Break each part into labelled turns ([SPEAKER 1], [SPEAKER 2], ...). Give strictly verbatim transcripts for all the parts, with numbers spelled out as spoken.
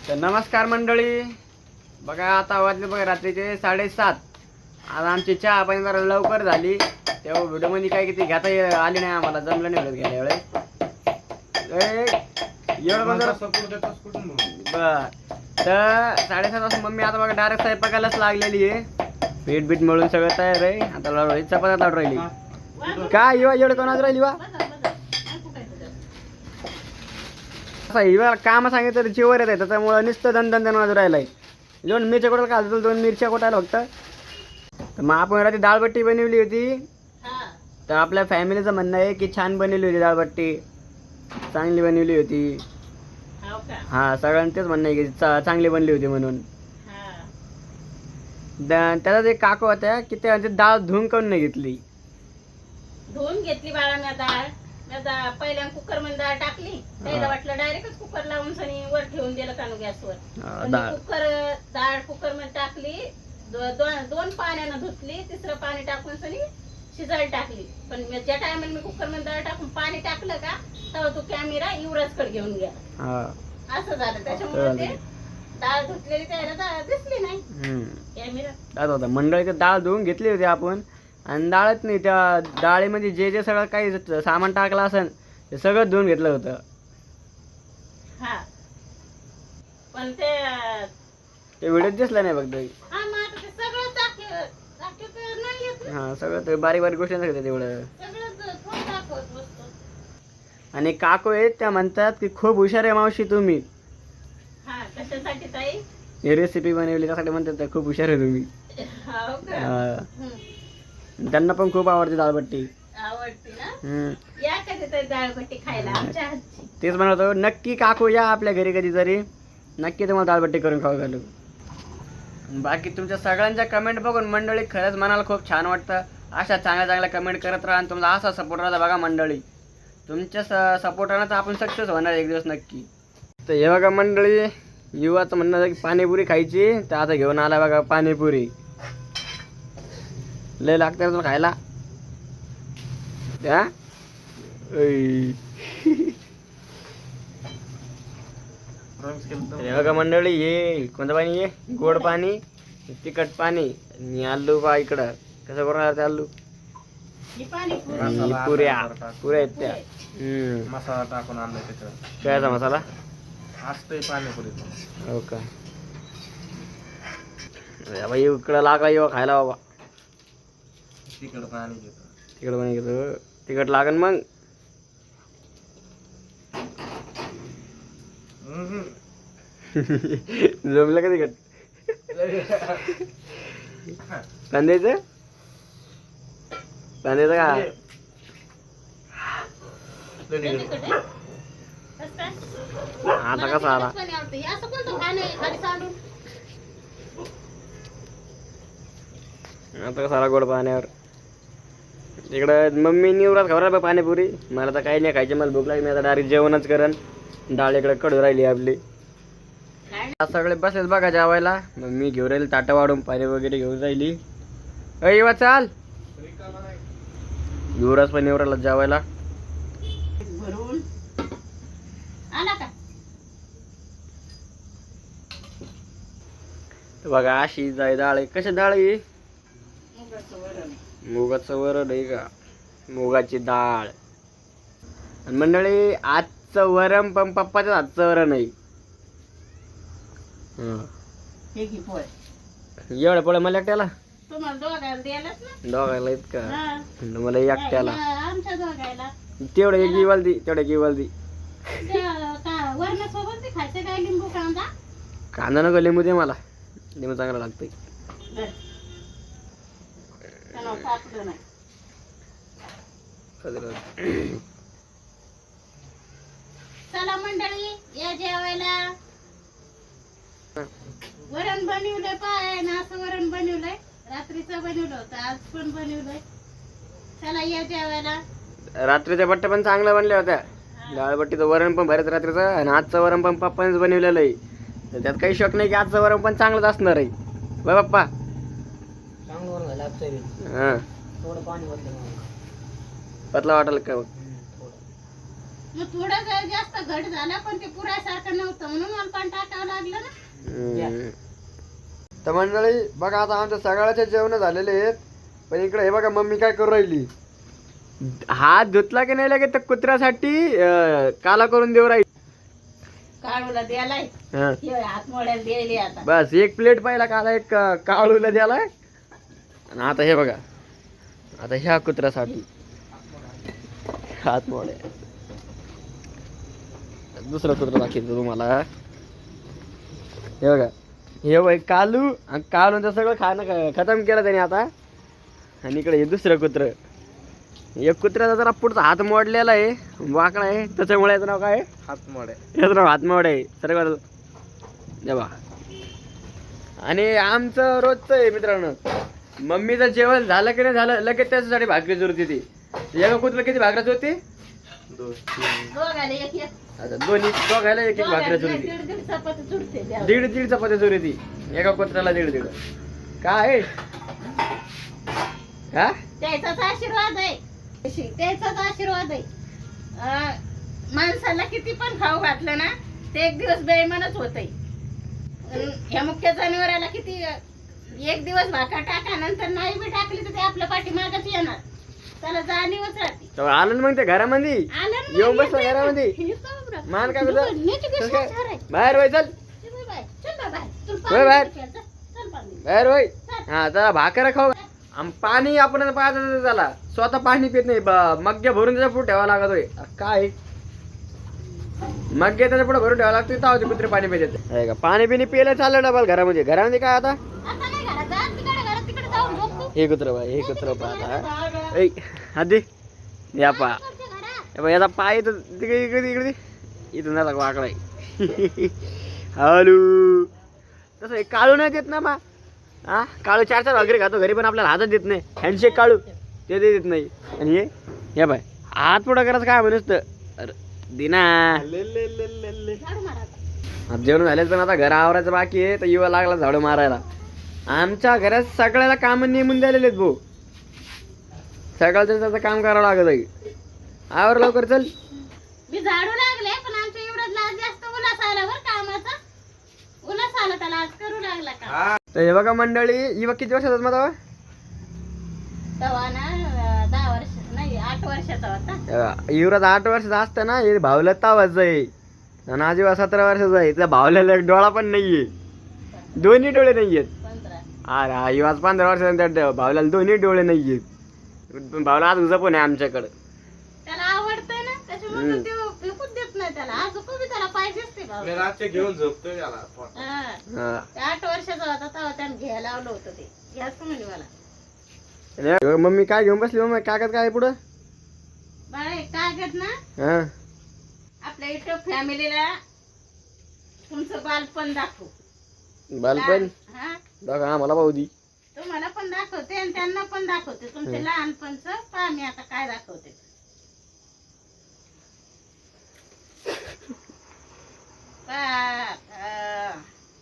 [SPEAKER 1] तर नमस्कार मंडळी, बघा आता वाजले बघा रात्रीचे साडेसात. आज आमची चहा पाणी जरा लवकर झाली, तेव्हा व्हिडिओमध्ये काय किती घेता ये- आली नाही, आम्हाला जमलं नाही व्हिडिओ घ्यायला वेळेस. एवढं पण जरा बर. तर साडेसात वाजता मम्मी आता बघा डायरेक्ट स्वयंपाकालाच लागलेली आहे. पीठ बीठ मळून सगळं तयार आहे. आता लाडू चपात्या लाडू राहिली काय युवा एवढं कोणाच राहिली वा असं हिवा काम सांगितलं तर चिवर येत आहे, त्याच्यामुळं नुसतं दन दन दन वाजू राहिलाय. दोन मिरच्या कोटायला घालतो, दोन मिरच्या कोटायला फक्त. तर मग आपण रात्री डाळबट्टी बनवली होती. तर आपल्या फॅमिलीचं म्हणणं आहे की छान बनवली होती डाळबट्टी, चांगली बनवली होती. हा सगळ्यांनी तेच म्हणणं आहे की चा- चांगली बनली होती म्हणून. द- त्याला एक काकू होत्या की त्या डाळ धुवून करून नाही घेतली.
[SPEAKER 2] धुवून घेतली बाळा मी डाळ. मी डाळ पहिल्या कुकर मध्ये डाळ टाकली, त्याला वाटलं डायरेक्टच कुकर लावून सनी वर ठेवून दिलं कानू गॅसवर.
[SPEAKER 1] डाळ
[SPEAKER 2] कुकर डाळ कुकर मध्ये टाकली, दो- दोन दोन पाण्यानं धुतली, तिसरं पाणी टाकून सनी शिजायला टाकली. पण मी ज्या टायमाला मी कुकर मध्ये डाळ टाकून पाणी टाकलं का, तेव्हा तो कॅमेरा युवराजकडे घेऊन गेला. असं झालं. त्याच्यामुळे ते डाळ धुतलेली त्याला डाळ दिसली नाही कॅमेरा.
[SPEAKER 1] होता मंडळी. डाळ धुवून घेतली होती आपण, आणि डाळच नाही, त्या डाळीमध्ये जे जे सगळं काही सामान टाकलं असेल ते सगळं धुवून घेतलं होतं.
[SPEAKER 2] हा पण ते
[SPEAKER 1] ते व्हिडिओ दिसला नाही फक्त.
[SPEAKER 2] हा मग आता ते सगळं दाखव दाखवत नाही येत ना.
[SPEAKER 1] हा सगळं ते बारीक बारीक गोष्टी सांगतात तेवढं.
[SPEAKER 2] सगळं थोडं दाखवत बसतो.
[SPEAKER 1] आणि काकू आहेत त्या म्हणतात की खूप हुशार आहे मावशी तुम्ही.
[SPEAKER 2] हा कशासाठी ताई?
[SPEAKER 1] ही रेसिपी बनवली त्यासाठी म्हणतात त्या खूप हुशार आहे तुम्ही.
[SPEAKER 2] हो का?
[SPEAKER 1] हा.
[SPEAKER 2] हं.
[SPEAKER 1] त्यांना पण खूप आवडते डाळबट्टी.
[SPEAKER 2] आवडते ना?
[SPEAKER 1] हम्म.
[SPEAKER 2] या कधीतरी डाळबट्टी खायला आमच्या हातची.
[SPEAKER 1] तेच म्हणतो नक्की काकू या आपल्या घरी कधीतरी, नक्की तुम्हाला डाळबट्टी करून खाऊ घालू. बाकी तुमच्या सगळ्यांच्या कमेंट बघून मंडळी खरंच मनाला खूप छान वाटतं. अशा चांगल्या चांगल्या कमेंट करत राहा आणि तुमचा असा सपोर्ट राहता बघा मंडळी. तुमच्या स सपोर्टानं तर आपण सक्सेस होणार एक दिवस नक्की. तर हे बघा मंडळी, युवाचं म्हणणं आहे की पाणीपुरी खायची, तर आता घेऊन आला बघा पाणीपुरी. लय लागते तुला खायला त्या. हे बघा मंडळी, हे कोणतं पाणी आहे? गोड पाणी, तिखट पाणी आणि आलू बा इकडं कसं करून राहते आलू.
[SPEAKER 2] ही पाणीपुरी.
[SPEAKER 1] आणि पुऱ्या पुऱ्या आहेत त्या. हम्म.
[SPEAKER 3] मसाला टाकून आणलाय त्याच्यावर.
[SPEAKER 1] कायचा मसाला
[SPEAKER 3] असतोय पाणीपुरी.
[SPEAKER 1] हो का? बाई इकडं लागा येऊ खायला बाबा.
[SPEAKER 3] तिकडं पाणी घेतो.
[SPEAKER 1] तिकड पण घेतो, तिकट लागन मग. जमलं का तिकट? कांद्याचं कांद्याचं का?
[SPEAKER 2] लय तिखट आहे. कसं काय?
[SPEAKER 1] आता
[SPEAKER 2] मला
[SPEAKER 1] कसा आला?
[SPEAKER 2] तिखटच पाणी आवडतं. हे असं कोणतं खाणं आहे खाली सांडून?
[SPEAKER 1] आता कसा आला गोड पाण्यावर? इकडं मम्मी निवरात खबर बा पाणीपुरी. मला तर काही नाही खायची, मला भूक लागली. मी आता डायरेक्ट जेवणच करण. डाळ इकडे कडू राहिली आपली. आज सगळे बसलेच बघा जेवायला. मग मी घेऊन राहील ताटं वाढून, पाणी वगैरे घेऊन राहिली. अय वा चाल, युवराज पण निवराला जेवायला.
[SPEAKER 2] भरून आला का?
[SPEAKER 1] तर बघा अशी जाय डाळ आहे. कशी डाळ आहे?
[SPEAKER 2] मुगाचं वरण.
[SPEAKER 1] मुगाचं वरण आहे का? मुगाची डाळ. आणि मंडळी आजचं वरण पण पप्पाच्याच हातचं वरण आहे. हं.
[SPEAKER 2] हे घे पोळ.
[SPEAKER 1] एवढ्या पोळ्या मला एकट्याला?
[SPEAKER 2] तुम्हाला दोघायला द्यायलाच ना.
[SPEAKER 1] दोघायला इतका
[SPEAKER 2] हा.
[SPEAKER 1] मला एकट्याला?
[SPEAKER 2] आमच्या दोघायला.
[SPEAKER 1] तेवढं एक इवाल दी, तेवढं एक इवाल दी.
[SPEAKER 2] वरणासोबत ते खायचं काय? लिंबू कांदा.
[SPEAKER 1] कांदा नको, लिंबू दे मला. लिंबू चांगला लागतंय.
[SPEAKER 2] धर. त्याला टाकलं नाही. चला मंडळी या जेवायला. वरण बनवलंय पाय ना, असं वरण बनवलंय. रात्रीचं बनवलं होतं, आज पण बनवलंय. चला या जेवायला.
[SPEAKER 1] रात्रीच्या बट्ट्या पण चांगल्या बनल्या होत्या. डाळबट्टीचं वरण पण भारीच रात्रीचं, आणि आजचं वरण पण पप्पानेच बनवलेलं आहे. तर त्यात काही शक नाही की आजचं वरण पण चांगलंच असणार आहे. बाय पप्पा. हां पतला वाटेल का?
[SPEAKER 2] मग थोडं जर जास्त घट झाला, पण ते पुरायसारखं नव्हतं म्हणून मला पण टाकावं लागलं ना.
[SPEAKER 1] हम्म. तर मंडळी बघा आता आमच्या सगळ्याचे जेवण झालेले आहेत, पण इकडे हे बघा मम्मी काय करू राहिली, हात धुतला की नाही लगेच तर कुत्र्यासाठी अं, काला करून देऊ राहील.
[SPEAKER 2] काळूला द्यालाय
[SPEAKER 1] हा.
[SPEAKER 2] हे हात मोड्याला द्यायली आता.
[SPEAKER 1] बस एक प्लेट पाहिला काला, एक अं, काळूला द्यालाय. आणि आता हे बघा, आता ह्या कुत्र्यासाठी हात मोडे. दुसरं कुत्र दाखवतो तुम्हाला. हे बघा, हे बघ कालू, आणि कालूचं सगळं खाणं ख- खतम केलं त्याने आता. आणि इकडे हे दुसरं कुत्र, एक कुत्र्याचा जरा पुढचा हात मोडलेला आहे, वाकडा आहे, त्याच्यामुळे याचं नाव काय आहे?
[SPEAKER 3] हातमोड आहे.
[SPEAKER 1] याचं नाव हातमोड आहे सर्व. देवा. आणि आमचं रोजचं आहे मित्रांनो, मम्मीचं जेवण झालं की नाही झालं लगेच त्याच्यासाठी भाकरी जुरती ती. एका कुत्र्याला किती भाकऱ्या होती?
[SPEAKER 3] दोन तीन
[SPEAKER 2] दोघाले एक एक
[SPEAKER 1] आता दोन्ही दोघायला एक एक भाकऱ्या
[SPEAKER 2] दोघाले
[SPEAKER 1] जुरती.
[SPEAKER 2] दीड दीड चपाती जुडते द्यावं.
[SPEAKER 1] दीड दीड चपात्या जुरी ती एका कुत्र्याला, दीड दीड. काय हा?
[SPEAKER 2] त्याचाच आशीर्वाद आहे, त्याचाच आशीर्वाद आहे. अं, माणसाला किती पण खाऊ घातलं ना ते एक दिवस बेईमानच होतंय. अन ह्या मुख्य जनावराला किती अं, एक दिवस भाकर टाका, नंतर नाही बी टाकली तर ते आपल्या पाठीमागच येणार. त्याला जाणीवच राहते.
[SPEAKER 1] तर आलं ना मग ते घरामध्ये,
[SPEAKER 2] आलं ना
[SPEAKER 1] येऊन
[SPEAKER 2] मग
[SPEAKER 1] बसला
[SPEAKER 2] येतंय.
[SPEAKER 1] घरामध्ये.
[SPEAKER 2] हे समोर.
[SPEAKER 1] मान काय करतो?
[SPEAKER 2] नीट
[SPEAKER 1] कसं
[SPEAKER 2] दिसलं
[SPEAKER 1] काय?
[SPEAKER 2] छान आहे.
[SPEAKER 1] बाहेर वय चल,
[SPEAKER 2] चल बाय बाय. चल बाय बाय. तुला
[SPEAKER 1] वय
[SPEAKER 2] पाणी
[SPEAKER 1] बाहेर.
[SPEAKER 2] प्यायचं. चल पाणी.
[SPEAKER 1] बाहेर वय. हा जरा भाकर खाऊ. आम पाणी आपण पाहत त्याला, स्वतः पाणी पित नाही, ब- मग्गे भरून त्याच्या पुढे ठेवावं लागत होय. काय मग्गे त्याच्या पुढे भरून ठेवावं लागतं, तेव्हा ते कुत्रे पाणी पिते का. पाणी पिणी पिलं चाललं डबल घरामध्ये. घरामध्ये काय आता
[SPEAKER 2] आता नाही घरात जा. तिकडे घरात तिकडे जाऊन झोप तू.
[SPEAKER 1] हे कुत्र बाय, हे कुत्र पाहता. ऐ आधी या पा
[SPEAKER 2] तुमच्या घरात.
[SPEAKER 1] हे बघ, याचा पाय तर तिकडे इकडे इकडे इथून झाला वाकडा आहे. हॅलो तसं हे काळू नाही देत ना मा. हा काळू चार चार वगैरे खातो घरी, पण आपल्याला हातात देत नाही. हँडशेक काळू ते देत नाही. आणि हे हे बाय हात पुढं करायचं काय म्हणूस तर अरे दिना.
[SPEAKER 3] ले ले ले ले ले.
[SPEAKER 2] झाडू मार आता.
[SPEAKER 1] आता जेवण झालेच, पण आता घर आवरायचं बाकी आहे, तर युवा लागला झाडू मारायला. आमच्या घरात सगळ्याला काम नेमून द्यालेले आहेत भाऊ, सकाळचं त्याचं काम करावं लागत आहे. आवर लवकर चल.
[SPEAKER 2] मी झाडू लागले, पण आमच्या एवढं लाज जास्त उल्हास आला बरं कामाचा. उल्हास आला त्याला आज करू लागला का.
[SPEAKER 3] हा
[SPEAKER 1] तर हे बघा मंडळी, युवा किती वर्षाचा माझा?
[SPEAKER 2] तेव्हा ना अं, दहा वर्ष नाही आठ वर्षाचा होता.
[SPEAKER 1] युवराज आठ वर्षाचा असताना हे भावला तावाच आहे, आणि आजीबा सतरा वर्षाचा आहे. त्या भावल्याला एक डोळा पण नाहीये, दोन्ही डोळे नाहीयेत.
[SPEAKER 2] पंधरा.
[SPEAKER 1] अरे हा युवाज पंधरा वर्षाचा, त्या भावल्याला दोन्ही डोळे नाहीयेत. पण भावला आज उजा पण आहे आमच्याकडं.
[SPEAKER 2] त्याला आवडतंय ना त्याच्यामुळे
[SPEAKER 1] हम्म.
[SPEAKER 2] तो विकूच देत नाही त्याला. आज बी त्याला पाहिजेच ते भाऊ.
[SPEAKER 3] मी रात्री घेऊन झोपतोय त्याला.
[SPEAKER 2] हा.
[SPEAKER 1] हा.
[SPEAKER 2] ते आठ वर्षाचा होता तेव्हा त्याने घ्यायला लावलं होतं ते. घ्याच म्हणे मला.
[SPEAKER 1] आणि मम्मी काय घेऊन बसली मम्मी, कागद काय आहे पुढं?
[SPEAKER 2] बाळा एक कागद ना
[SPEAKER 1] हा
[SPEAKER 2] आपल्या युट्यूब फॅमिलीला तुमचं बालपण दाखवू.
[SPEAKER 1] बालपण
[SPEAKER 2] हा
[SPEAKER 1] बघा आम्हाला भाऊ दी.
[SPEAKER 2] तुम्हाला पण दाखवते आणि त्यांना पण दाखवते. तुमचे लहानपणचं पहा मी आता काय दाखवते. पहा, अं,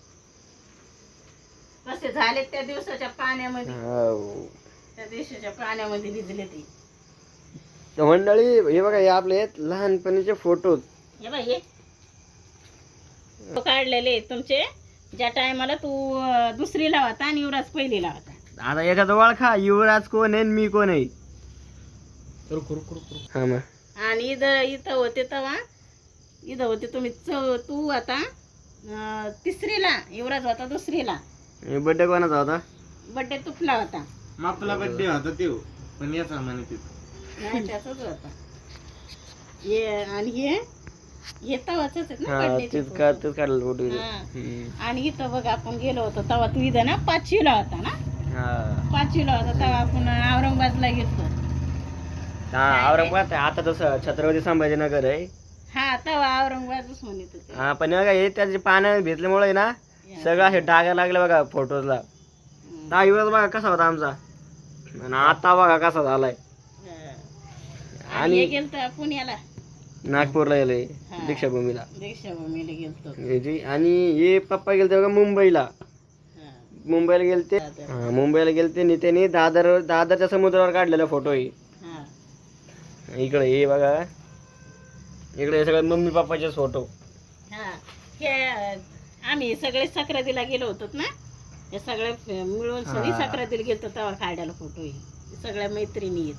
[SPEAKER 2] कसे झाले त्या दिवसाच्या पाण्यामध्ये.
[SPEAKER 1] हाव.
[SPEAKER 2] त्या दिवसाच्या पाण्यामध्ये भिजले ते.
[SPEAKER 1] तर मंडळी हे बघा, हे आपले आहेत लहानपणीचे फोटो.
[SPEAKER 2] हे बाई हे तो काढलेले तुमचे ज्या टायमाला तू अं, दुसरीला होता आणि युवराज पहिलीला होता.
[SPEAKER 1] आता याच्यात ओळखा युवराज कोण आहे आणि मी कोण आहे.
[SPEAKER 3] रुक रुक रुक रुक.
[SPEAKER 1] हा मग
[SPEAKER 2] आणि इथं इथं होते तेव्हा इथं होते तुम्ही चौ तू आता अं, तिसरीला, युवराज होता दुसरीला.
[SPEAKER 1] बड्डे कोणाचा होता?
[SPEAKER 2] बड्डे तुपला होता.
[SPEAKER 3] आपला बड्डे होता ते, पण याचा म्हणे तिथं.
[SPEAKER 2] नाही त्याचाच होता. हे आणि हे हे तवाच ना
[SPEAKER 1] हा
[SPEAKER 2] birthday चे
[SPEAKER 1] तेच
[SPEAKER 2] photo.
[SPEAKER 1] का तेच काढलं फोटो.
[SPEAKER 2] हा. आणि इथं बघ आपण गेलो होतो तेव्हा तू इथं ना पाचवीला होता ना.
[SPEAKER 1] हा
[SPEAKER 2] पाचवीला होता तेव्हा आपण औरंगाबादला गेलो.
[SPEAKER 1] हा औरंगाबाद आहे. आता तसं छत्रपती संभाजीनगर आहे.
[SPEAKER 2] हा तेव्हा औरंगाबादच म्हणत होते.
[SPEAKER 1] हा पण हे बघा, हे त्याचे पाण्यात भेटल्यामुळे ना सगळं असे डागा लागले बघा फोटोला.
[SPEAKER 2] हम्म.
[SPEAKER 1] हा युवराज बघा कसा होता आमचा, आणि आता बघा कसा झालाय.
[SPEAKER 2] हा. आणि
[SPEAKER 1] आणि
[SPEAKER 2] हे गेलतो पुण्याला
[SPEAKER 1] नागपूरला गेले
[SPEAKER 2] हा.
[SPEAKER 1] दीक्षाभूमीला.
[SPEAKER 2] दीक्षाभूमीला गेलतो.
[SPEAKER 1] हे जे- आणि हे पप्पा गेलते बघा मुंबईला.
[SPEAKER 2] हा.
[SPEAKER 1] मुंबईला गेलते.
[SPEAKER 2] दादर.
[SPEAKER 1] हा मुंबईला गेलते आणि त्यांनी दादर दादरच्या समुद्रावर काढलेला फोटो आहे.
[SPEAKER 2] हा.
[SPEAKER 1] इकडे हे बघा, इकडे हे सगळे मम्मी पप्पाचे फोटो.
[SPEAKER 2] हा. हे आम्ही सगळे सक्रातीला गेलो होतो ना, हे सगळे फ- मिळून सगळी
[SPEAKER 1] हा.
[SPEAKER 2] सक्रातीला गेलो तेव्हा काढायला फोटो हे सगळ्या मैत्रिणी आहेत.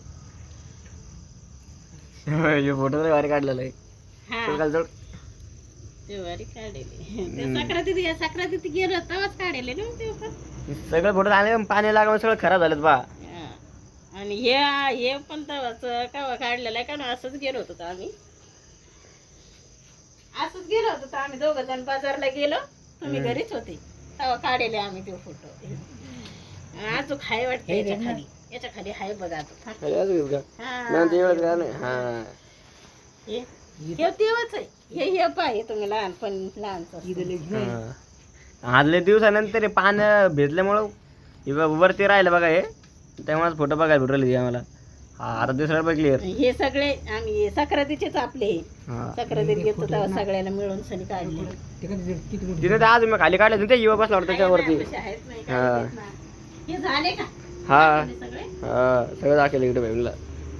[SPEAKER 1] फोटो तरी भारी काढलेला आहे.
[SPEAKER 2] हा
[SPEAKER 1] चल खाली चढ.
[SPEAKER 2] ते वारी काढलेले ते सक्रातीत या सक्रातीत गेलो तेव्हाच काढले ना ते पण.
[SPEAKER 1] सगळे फोटो आले पाणी लागून सगळं खराब झालेत बा.
[SPEAKER 2] हा. आणि हे हे पण तेव्हाच केव्हा काढलेलं आहे का ना, असंच गेलो होतो आम्ही असंच गेलो होतो तर आम्ही दोघं जण बाजारला गेलो, तुम्ही
[SPEAKER 1] हम्म.
[SPEAKER 2] घरीच होते तेव्हा काढले आम्ही ते फोटो. अजून हाय वाटतं याच्या खाली, याच्या खाली हाय बघा आता.
[SPEAKER 1] अरे अजून का?
[SPEAKER 2] हा.
[SPEAKER 1] नाही ते एवढंच का नाही. हा.
[SPEAKER 2] हे हे तेव्हाच आहे. हे हे पाय तुम्ही लहानपण लहानच
[SPEAKER 1] हा. आदल्या दिवसानंतर हे पान भेजल्यामुळं हे बघ वरती राहिलं बघा हे, त्यामुळेच फोटो बघायला भेटू राहिले आम्हाला. हा आता दुसऱ्या बघ क्लिअर.
[SPEAKER 2] हे सगळे आम्ही सक्रातीचेच आपले हे.
[SPEAKER 1] हा.
[SPEAKER 2] सक्रातीत गेलो तेव्हा सगळ्याला मिळून सनी काढले.
[SPEAKER 1] तिथे ते आज मी खाली काढले ते युवा बसला होता त्याच्यावरती.
[SPEAKER 2] आहेत नाही
[SPEAKER 1] हा.
[SPEAKER 2] काढलेत ना. हे झाले का
[SPEAKER 1] हा
[SPEAKER 2] हे सगळे?
[SPEAKER 1] हा सगळं दाखवलं इकडे बहिणीला.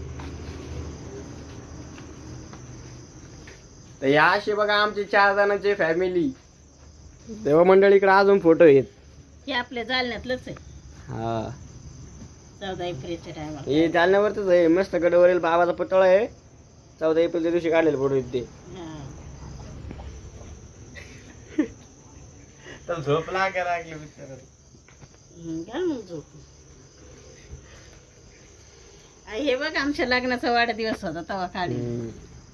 [SPEAKER 1] तर या अशी बघा आमची चार जणांची फॅमिली. तेव्हा मंडळी इकडे अजून फोटो आहेत.
[SPEAKER 2] हे आपल्या जालन्यातलंच आहे.
[SPEAKER 1] हा
[SPEAKER 2] चौदा एप्रिलच्या टायमाला.
[SPEAKER 1] हे जालन्यावरच आहे. मस्त गडावरील बाबाचा पुतळा आहे. चौदा एप्रिलच्या दिवशी काढलेले फोटो आहेत ते.
[SPEAKER 3] तर झोप लागा लागली बिचारा.
[SPEAKER 2] घाल मग झोप. आ, हे बघ आमच्या लग्नाचा वाढदिवस होता तेव्हा काढले.
[SPEAKER 1] हम्म.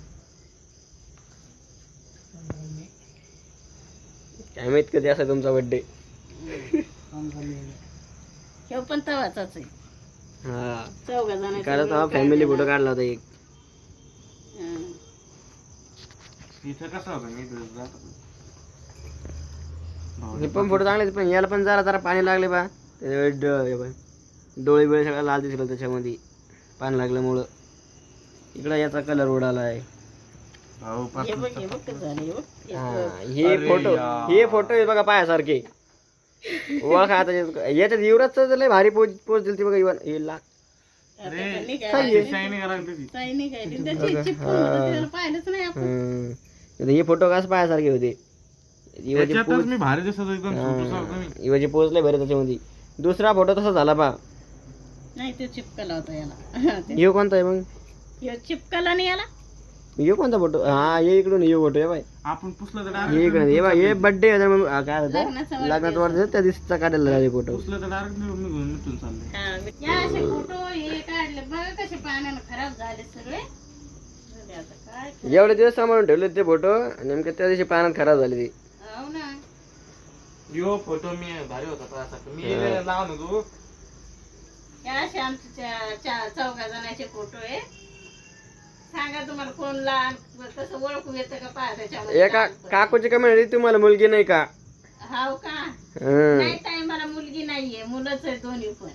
[SPEAKER 1] काय माहित कधी असा तुमचा बर्थडे.
[SPEAKER 2] हे पण तवाच आहे.
[SPEAKER 1] हा
[SPEAKER 2] चौघा जणांचा
[SPEAKER 1] कारण
[SPEAKER 2] मिळून
[SPEAKER 1] फॅमिली फोटो
[SPEAKER 2] काढलेला.
[SPEAKER 1] काढला होता एक.
[SPEAKER 2] हा.
[SPEAKER 3] इथं कसा होता मी इथं जात होतो.
[SPEAKER 1] हे पण फोटो चांगले आहेत, पण याला पण जरा जरा पाणी लागले बा. त्याच्यामुळे ड- हे बघ, डोळे बिळे सगळं लाल दिसलं त्याच्यामध्ये पाणी लागल्यामुळं. इकडं याचा कलर उडाला आहे.
[SPEAKER 3] भाऊ पाच
[SPEAKER 2] हे बघ हे बघ कसं झालं हे बघ.
[SPEAKER 1] हा,
[SPEAKER 2] एक-
[SPEAKER 1] हे
[SPEAKER 3] अरे
[SPEAKER 1] फोटो
[SPEAKER 3] यार.
[SPEAKER 1] हे फोटो आहे बघा पायासारखे. ओळखा आता याच्यात- याच्यात युवराजचं लय भारी पोच पोच दिली ती बघा युवन हे ला.
[SPEAKER 2] आता
[SPEAKER 3] अरे,
[SPEAKER 2] तर निघायला
[SPEAKER 1] काय
[SPEAKER 2] लागले.
[SPEAKER 1] आहे?
[SPEAKER 3] शायनिंग करायला त्याची.
[SPEAKER 2] काही नाही काही नाही. त्याची चिपकून होतं, त्याला पाहिलंच नाही आपण.
[SPEAKER 1] हम्म. आता हे फोटो कसं पायासारखे होते. युवाची
[SPEAKER 3] त्याच्यातच
[SPEAKER 1] पोच
[SPEAKER 3] मी भारी दिसत होतो, एकदम छोटूसा होतो मी.
[SPEAKER 1] हा, युवाची पोच लय भारी त्याच्यामध्ये. दुसरा फोटो तसा झाला पा.
[SPEAKER 2] नाही तो चिपकला होता याला. ते-
[SPEAKER 1] यो कोणता आहे मग?
[SPEAKER 2] ह्यो चिपकला नाही याला.
[SPEAKER 1] यो कोणता फोटो? हा हे इकडून यो फोटो आहे बाय.
[SPEAKER 3] आपण पुसलं तर
[SPEAKER 1] हे इकडे हे बघ, हे बर्थडे काय
[SPEAKER 2] लग्नाचा
[SPEAKER 1] होतं
[SPEAKER 2] वाढदिवस.
[SPEAKER 1] लग्नाचा वाढदिवस त्या दिवसाचा काढलेला आहे फोटो.
[SPEAKER 3] पुसलं तर डायरेक्ट निघून मिटून चाललंय.
[SPEAKER 2] हा, या असे फोटो हे काढले बघा कसे पाण्यानं खराब झाले सगळे. झाले आता काय करायचं?
[SPEAKER 1] एवढे दिवस सांभाळून ठेवले ते फोटो, नेमकं त्या दिवशी पाण्यात खराब झाले ते.
[SPEAKER 2] हो ना.
[SPEAKER 3] यो फोटो मी भारी होता त्यासाठी मी
[SPEAKER 1] हा.
[SPEAKER 3] लावून होतो.
[SPEAKER 2] या असे आमचे चा- चा- चौघा जणांचे फोटो आहे. सांगा तुम्हाला कोण लहान कसं ओळखू येतं का पहा त्याच्यामध्ये.
[SPEAKER 1] एका काकूची कमेंट होती तुम्हाला मुलगी नाही का?
[SPEAKER 2] हाव का?
[SPEAKER 1] हं.
[SPEAKER 2] नाही ताई मला मुलगी नाहीये, मुलंच आहे दोन्ही पण.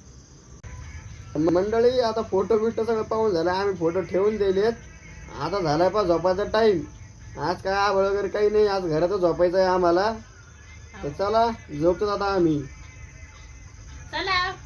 [SPEAKER 1] मंडळी आता फोटो बिटो सगळं पाहून झालं. आम्ही फोटो ठेवून दिलेत. आता झालाय पा झोपायचा टाइम. आज काय आबळ वगैरे काही नाही, आज घरातच झोपायचं आहे आम्हाला. तर चला झोपतो आता आम्ही.
[SPEAKER 2] चला